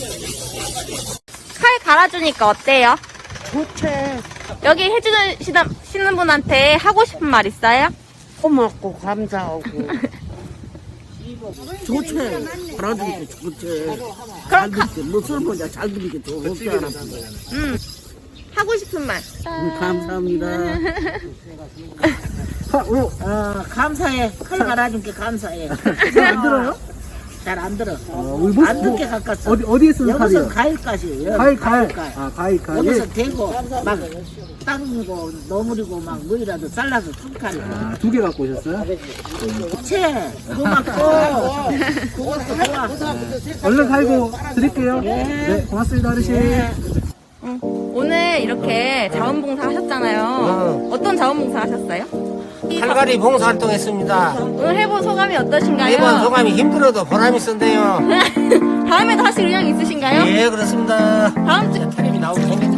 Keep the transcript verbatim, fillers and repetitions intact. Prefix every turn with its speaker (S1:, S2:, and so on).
S1: 칼 갈아주니까 어때요?
S2: 좋지.
S1: 여기 해주는 시는, 시는 분한테 하고 싶은 말 있어요?
S2: 고맙고 감사하고. 좋지. 알아주니까 좋지. 잘 듣게. 무술 보자. 잘 듣게 좋지 않았어.
S1: 음, 하고 싶은 말.
S2: 음, 감사합니다. 어, 어, 감사해. 칼 갈아준 게 감사해.
S3: 안 들어요?
S2: 잘 안 들어.
S3: 어, 우리 뭐-
S2: 안 듣게 가깝어.
S3: 어디 어디에 쓰는
S2: 여기서
S3: 칼이요?
S2: 가일까지.
S3: 가위 가위. 아 가위 가위.
S2: 여기서 대고 막 땅이고 너물이고 막 뭐이라도 잘라서 툭칼.
S3: 아, 두 개 갖고 오셨어요?
S2: 채 고맙고 그것도 좋아.
S3: 얼른 갈고 드릴게요. 네, 고맙습니다, 어르신.
S1: 응. 오늘 이렇게 자원봉사 하셨잖아요. 어떤 자원봉사 하셨어요?
S4: 칼갈이 봉사활동했습니다.
S1: 오늘 해본 소감이 어떠신가요?
S4: 이번 소감이 힘들어도 보람이 있었네요.
S1: 다음에도 하실 의향 있으신가요?
S4: 예, 그렇습니다.
S1: 다음 주
S4: 텔레비 나오기 힘든데